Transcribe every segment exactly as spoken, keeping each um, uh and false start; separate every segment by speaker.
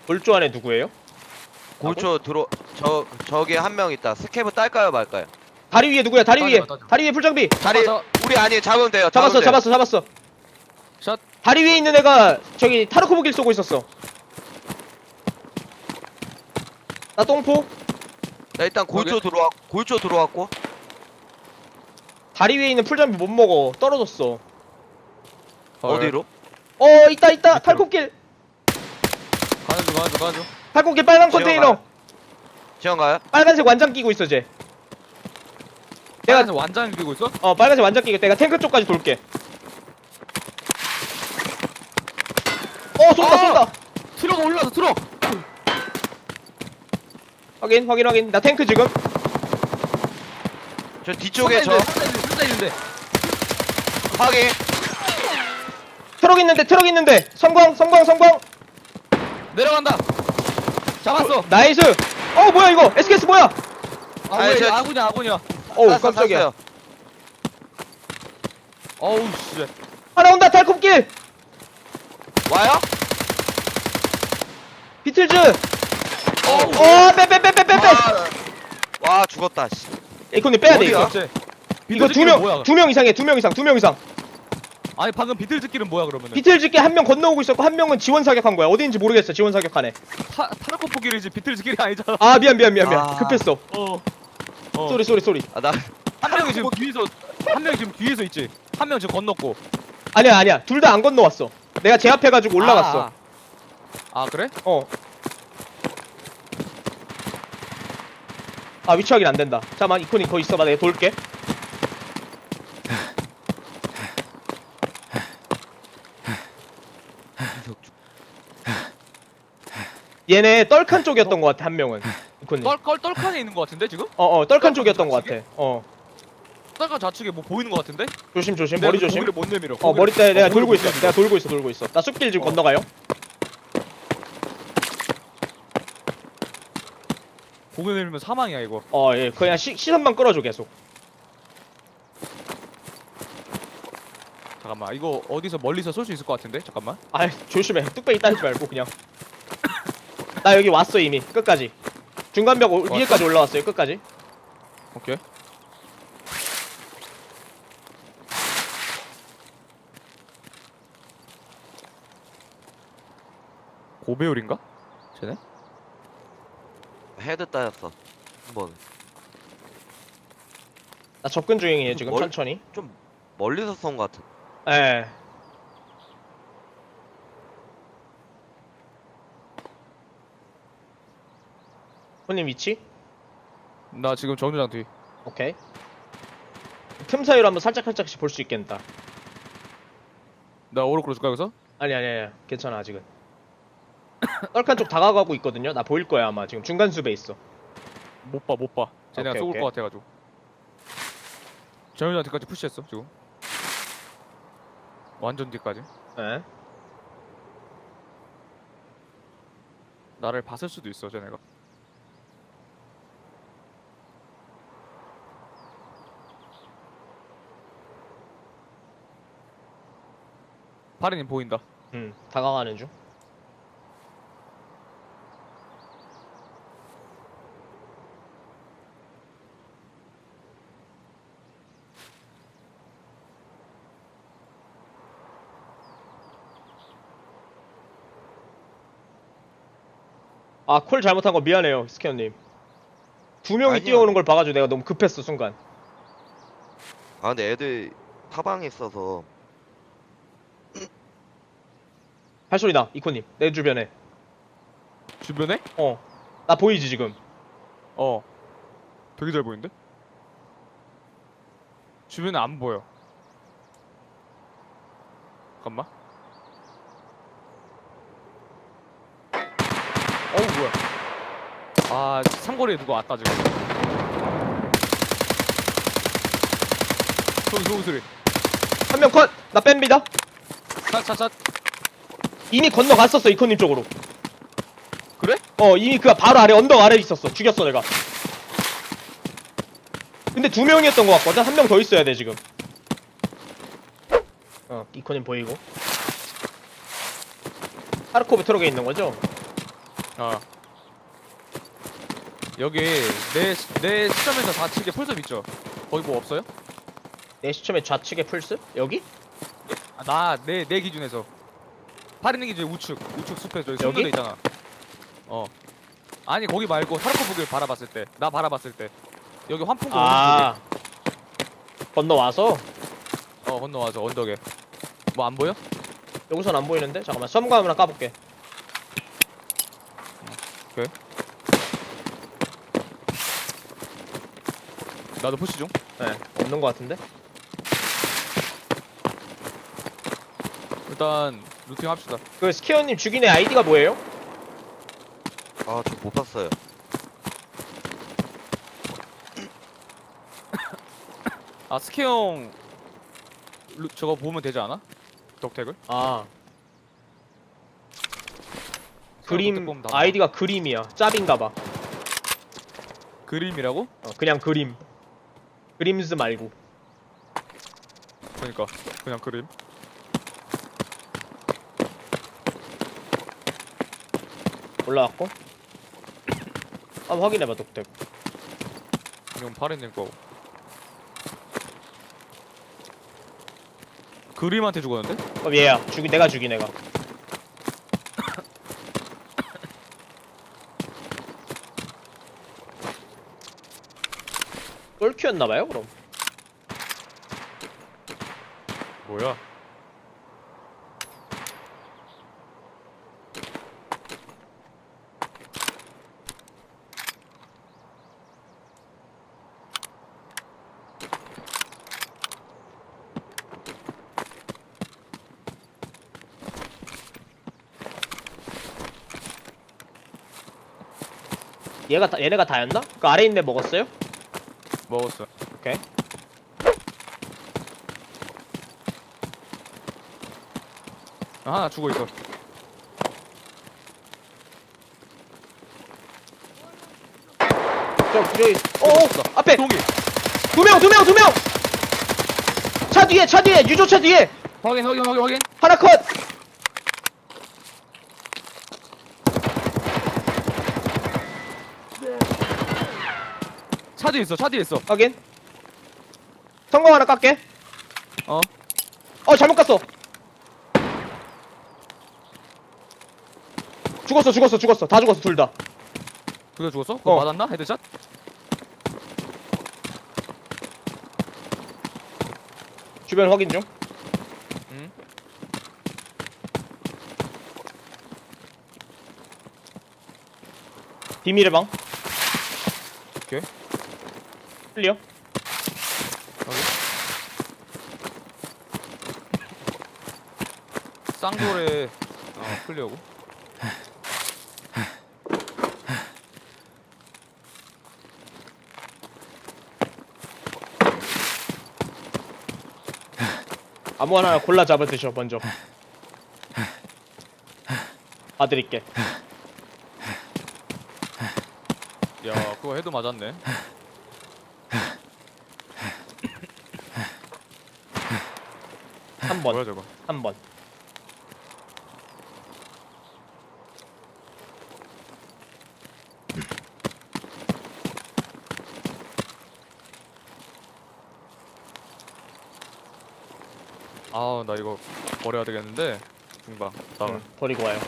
Speaker 1: 골조 안에 누구예요?
Speaker 2: 골조 들어 저 저기 한 명 있다. 스케브 딸까요 말까요?
Speaker 1: 다리 위에 누구야? 다리 위에.
Speaker 3: 따져, 따져.
Speaker 1: 다리 위에 풀장비.
Speaker 2: 다리
Speaker 3: 잡아,
Speaker 2: 우리 아니 잡으면 돼요.
Speaker 1: 잡았어,
Speaker 2: 잡으면 돼요.
Speaker 1: 잡았어, 잡았어.
Speaker 3: 샷.
Speaker 1: 다리 위에 있는 애가 저기 타르코브길 쏘고 있었어. 나 똥포.
Speaker 2: 자, 일단 골조 들어왔 골조 들어왔고.
Speaker 1: 다리 위에 있는 풀장비 못 먹어. 떨어졌어.
Speaker 2: 어디로?
Speaker 1: 어, 있다, 있다.
Speaker 3: 밑으로.
Speaker 1: 탈코길.
Speaker 3: 가는 중 가는 중 가는 중.
Speaker 1: 탈코길 빨간
Speaker 2: 지금
Speaker 1: 컨테이너.
Speaker 2: 가요? 지원 가요?
Speaker 1: 빨간색 완장 끼고 있어, 쟤.
Speaker 3: 내가
Speaker 1: 내가
Speaker 3: 완장 끼고 있어?
Speaker 1: 어, 빨간색 완장 끼고 내가 탱크 쪽까지 돌게. 어, 쏜다,
Speaker 3: 아!
Speaker 1: 쏜다.
Speaker 3: 트럭 올라서 트럭.
Speaker 1: 확인, 확인, 확인. 나 탱크 지금.
Speaker 2: 저 뒤쪽에 저
Speaker 3: 술사 있는데.
Speaker 2: 확인.
Speaker 1: 트럭 있는데, 트럭 있는데. 성광, 성광, 성광.
Speaker 3: 내려간다. 잡았어.
Speaker 1: 나이스. 어, 뭐야 이거? 에스케이에스 뭐야?
Speaker 3: 아,
Speaker 2: 아니,
Speaker 3: 왜
Speaker 2: 저-
Speaker 3: 아군이야 아군이야.
Speaker 1: 어우,
Speaker 2: 쐈어,
Speaker 1: 깜짝이야.
Speaker 2: 쐈어요.
Speaker 3: 어우 씨.
Speaker 1: 하나 온다, 탈콤길.
Speaker 2: 와요?
Speaker 1: 비틀즈.
Speaker 2: 어.
Speaker 1: 어, 빼, 빼, 빼, 빼, 빼, 빼.
Speaker 2: 와, 와 죽었다. 씨.
Speaker 1: 에이콘님 빼야 돼,
Speaker 2: 어디야?
Speaker 1: 이거. 이거 두 명, 두 명 이상해, 두 명 이상, 두 명 이상.
Speaker 3: 아니 방금 비틀즈끼는 뭐야 그러면은?
Speaker 1: 비틀즈께 한 명 건너오고 있었고, 한 명은 지원 사격한 거야. 어디인지 모르겠어, 지원 사격하네.
Speaker 3: 타 타르코포길이지 비틀즈끼리 아니잖아.
Speaker 1: 아, 미안, 미안, 미안, 미안.
Speaker 2: 아.
Speaker 1: 급했어.
Speaker 3: 어. 어.
Speaker 1: 쏘리, 쏘리, 쏘리.
Speaker 2: 아, 나
Speaker 3: 한 명이 지금 뒤에서 한 명이 지금 뒤에서 있지. 한 명 지금 건넜고.
Speaker 1: 아니야, 아니야. 둘 다 안 건너왔어. 내가 제압해가지고 올라갔어.
Speaker 3: 아, 아. 아 그래?
Speaker 1: 어. 아, 위치 확인 안 된다. 잠깐만, 이코님 거기 있어봐. 내가 돌게. 얘네 떨칸 쪽이었던 것 같아, 한 명은. 이코님.
Speaker 3: 떨떨 떨칸에 있는 것 같은데 지금?
Speaker 1: 어, 어, 떨칸 쪽이었던 것 같아. 어.
Speaker 3: 떨칸 좌측에 뭐 보이는 것 같은데?
Speaker 1: 조심, 조심.
Speaker 3: 내가
Speaker 1: 머리
Speaker 3: 그
Speaker 1: 조심.
Speaker 3: 고기를 못 내밀어.
Speaker 1: 어,
Speaker 3: 고기를-
Speaker 1: 머리 때 내가
Speaker 3: 어,
Speaker 1: 돌고
Speaker 3: 고기를
Speaker 1: 있어.
Speaker 3: 못
Speaker 1: 내가 돌고 있어, 돌고 있어. 나 숲길 지금
Speaker 3: 어.
Speaker 1: 건너가요.
Speaker 3: 고기 내밀면 사망이야 이거.
Speaker 1: 어, 예. 그냥 시, 시선만 끌어줘, 계속.
Speaker 3: 잠깐만 이거 어디서 멀리서 쏠 수 있을 것 같은데? 잠깐만.
Speaker 1: 아, 조심해. 뚝배기 따지 말고, 그냥. 나 여기 왔어, 이미. 끝까지. 중간벽 오-
Speaker 3: 왔어?
Speaker 1: 위에까지 올라왔어요, 끝까지.
Speaker 3: 오케이. 고배율인가? 쟤네?
Speaker 2: 헤드 따였어. 한 번.
Speaker 1: 나 접근 중이에요, 지금,
Speaker 2: 뭘-
Speaker 1: 천천히.
Speaker 2: 좀 멀리서 쏜 것 같은.
Speaker 1: 예. 손님 위치?
Speaker 3: 나 지금 정류장 뒤.
Speaker 1: 오케이. 틈 사이로 한번 살짝 살짝씩 볼 수 있겠다.
Speaker 3: 나 오른쪽으로 줄까 여기서?
Speaker 1: 아니 아니 아니 괜찮아 아직은. 떨칸 쪽 다가가고 있거든요. 나 보일 거야 아마 지금 중간 숲에 있어.
Speaker 3: 못 봐, 못 봐. 쟤네가
Speaker 1: 오케이,
Speaker 3: 쏘을
Speaker 1: 오케이.
Speaker 3: 것 같아가지고. 정류장 뒤까지 푸시했어 지금. 완전 뒤까지.
Speaker 1: 예.
Speaker 3: 나를 봤을 수도 있어 쟤네가. 파리님 보인다.
Speaker 1: 음 다가가는 중. 아 콜 잘못한 거 미안해요 스캐너님. 두 명이
Speaker 2: 아니야.
Speaker 1: 뛰어오는 걸 봐가지고 내가 너무 급했어 순간.
Speaker 2: 아, 근데 애들 타방에 있어서
Speaker 1: 발소리 나 이코님 내 주변에.
Speaker 3: 주변에?
Speaker 1: 어 나 보이지 지금.
Speaker 3: 어. 되게 잘 보이는데? 주변에 안 보여. 잠깐만. 어우 뭐야? 아 삼거리에 누가 왔다 지금. 소리 소리 소리.
Speaker 1: 한 명 컷. 나 뺍니다.
Speaker 3: 차차차.
Speaker 1: 이미 건너갔었어 이코님 쪽으로.
Speaker 3: 그래?
Speaker 1: 어 이미 그 바로 아래 언덕 아래에 있었어. 죽였어 내가. 근데 두 명이었던 것 같거든. 한 명 더 있어야 돼 지금. 어 이코님 보이고. 하르코브 트럭에 있는 거죠?
Speaker 3: 어. 여기 내 내 시점에서 좌측에 풀숲 있죠? 거기 뭐 없어요?
Speaker 1: 내 시점에 좌측에 풀스? 여기?
Speaker 3: 아, 나 내 내 기준에서 파리는 기준 우측 우측 숲에 저기
Speaker 1: 여기?
Speaker 3: 숨는 데 있잖아. 어. 아니 거기 말고 타르코프길 바라봤을 때, 나 바라봤을 때 여기 환풍구
Speaker 1: 아 건너와서?
Speaker 3: 어 건너와서 언덕에 뭐 안 보여?
Speaker 1: 여기선 안 보이는데? 잠깐만 썸감 하나 까볼게.
Speaker 3: 나도 푸시 중.
Speaker 1: 네 없는 것 같은데?
Speaker 3: 일단 루팅 합시다.
Speaker 1: 그 스키어님 죽인 애 아이디가 뭐예요?
Speaker 2: 아, 저 못 봤어요.
Speaker 3: 아 스케형 루, 저거 보면 되지 않아? 덕택을?
Speaker 1: 아
Speaker 3: 덕택
Speaker 1: 그림
Speaker 3: 보면 다 나와.
Speaker 1: 아이디가 그림이야. 짭인가봐.
Speaker 3: 그림이라고?
Speaker 1: 어, 그냥 그림. 그림즈 말고.
Speaker 3: 그러니까 그냥 그림.
Speaker 1: 올라왔고. 한번 확인해봐 독택.
Speaker 3: 이건 파리님 거고. 그림한테 죽었는데?
Speaker 1: 어 얘야 죽인 내가 죽인 애가. 똘큐였나봐요 그럼.
Speaker 3: 뭐야?
Speaker 1: 얘가 다, 얘네가 다였나? 그 아래 있는 애 먹었어요?
Speaker 3: 먹었어.
Speaker 1: 오케이.
Speaker 3: 아, 하나 죽어 있어.
Speaker 1: 저 저기 어어 앞에
Speaker 3: 동기.
Speaker 1: 두 명 두 명 두 명. 차 뒤에 차 뒤에 유조차 뒤에
Speaker 3: 확인 확인 확인 확인.
Speaker 1: 하나 컷.
Speaker 3: 차 뒤에 있어. 차 뒤에 있어.
Speaker 1: 확인. 성공 하나 깎게.
Speaker 3: 어.
Speaker 1: 어 잘못 갔어. 죽었어 죽었어 죽었어 다 죽었어 둘 다.
Speaker 3: 그거 죽었어? 그거
Speaker 1: 어.
Speaker 3: 맞았나? 헤드샷?
Speaker 1: 주변 확인 중.
Speaker 3: 응.
Speaker 1: 비밀의 방.
Speaker 3: 오케이.
Speaker 1: 클리어.
Speaker 3: 쌍돌에 어, 클리어고.
Speaker 1: 아무거나 하나 골라 잡아 드셔 먼저. 봐드릴게.
Speaker 3: 야, 그거 헤드 맞았네.
Speaker 1: 삼
Speaker 3: 뭐야
Speaker 1: 번.
Speaker 3: 저거?
Speaker 1: 삼 번.
Speaker 3: 아, 나 이거 버려야 되겠는데. 금방. 나가.
Speaker 1: 응, 버리고 와요.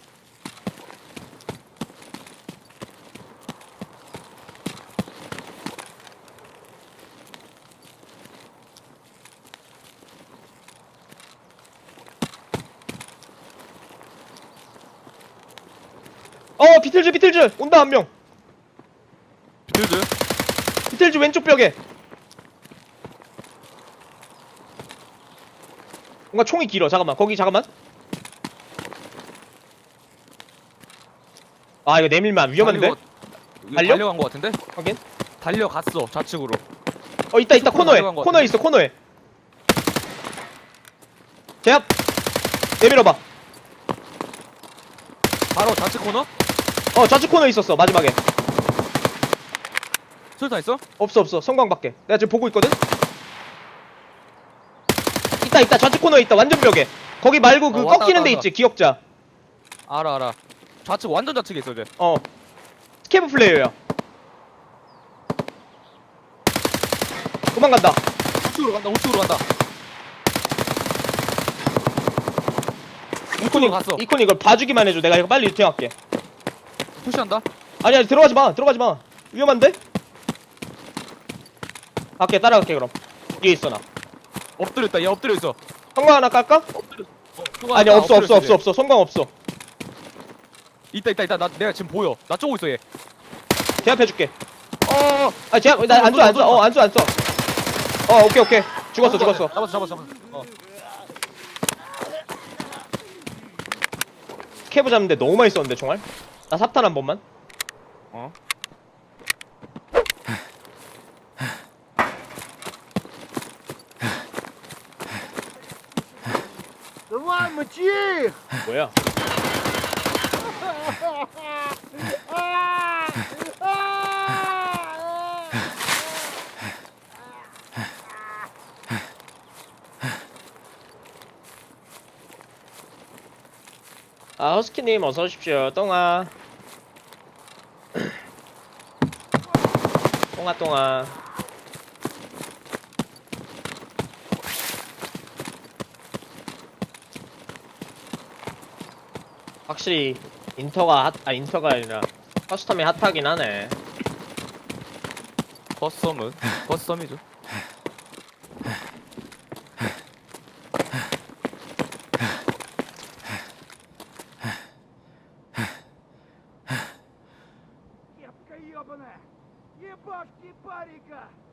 Speaker 1: 어 비틀즈 비틀즈 온다 한 명.
Speaker 3: 비틀즈?
Speaker 1: 비틀즈 왼쪽 벽에. 뭔가 총이 길어. 잠깐만 거기 잠깐만. 아 이거 내밀면 위험한데?
Speaker 3: 달리고- 이거
Speaker 1: 달려?
Speaker 3: 달려간 거 같은데?
Speaker 1: 확인.
Speaker 3: 달려갔어 좌측으로.
Speaker 1: 어 있다 있다
Speaker 3: 슈퍼로
Speaker 1: 코너에
Speaker 3: 날아간 것
Speaker 1: 코너에
Speaker 3: 같은데?
Speaker 1: 있어 코너에. 제압. 내밀어봐.
Speaker 3: 바로 좌측 코너?
Speaker 1: 어 좌측 코너에 있었어 마지막에.
Speaker 3: 술탄 있어?
Speaker 1: 없어 없어 성광밖에. 내가 지금 보고 있거든. 있다 있다 좌측 코너에 있다 완전 벽에. 거기 말고 그
Speaker 3: 어, 왔다,
Speaker 1: 꺾이는 데
Speaker 3: 왔다,
Speaker 1: 있지 기억자.
Speaker 3: 알아 알아. 좌측 완전 좌측에 있어 이제.
Speaker 1: 어 스케이프 플레이어야. 도망간다.
Speaker 3: 우측으로 간다. 우측으로 간다.
Speaker 1: 이코니
Speaker 3: 갔어.
Speaker 1: 이코니 이걸 봐주기만 해줘. 내가 이거 빨리 유팅할게.
Speaker 3: 푸시한다.
Speaker 1: 아니 아니 들어가지 마. 들어가지 마. 위험한데? 갈게 따라갈게 그럼. 뒤에 있어 나.
Speaker 3: 엎드려 있다. 얘 엎드려 있어.
Speaker 1: 성광 하나 깔까?
Speaker 3: 엎드려. 어, 수고하다.
Speaker 1: 아니 없어
Speaker 3: 엎드려
Speaker 1: 없어
Speaker 3: 있어,
Speaker 1: 없어
Speaker 3: 얘.
Speaker 1: 없어. 성광 없어.
Speaker 3: 있다 있다 있다. 나 내가 지금 보여. 나 쪼고 있어 얘.
Speaker 1: 제압해줄게.
Speaker 3: 어.
Speaker 1: 아 제압 나안 줘 안 줘. 어 안 줘 안 줘. 어 오케이 오케이. 죽었어 죽었어.
Speaker 3: 잡았어 잡았어 잡았어. 어.
Speaker 1: 스케이프 잡는데 너무 많이 썼는데 총알. 나 삽탄 한 번만.
Speaker 3: 어.
Speaker 4: Давай, мочи их!
Speaker 1: 뭐야? 아 허스키님 어서 오십시오. 똥아. 똥아 똥아. 확실히 인터가 핫, 아 인터가 아니라 커스텀이 핫하긴 하네.
Speaker 3: 커스텀은 커스텀이죠.
Speaker 4: Кепка ебаная! Ебашки парика!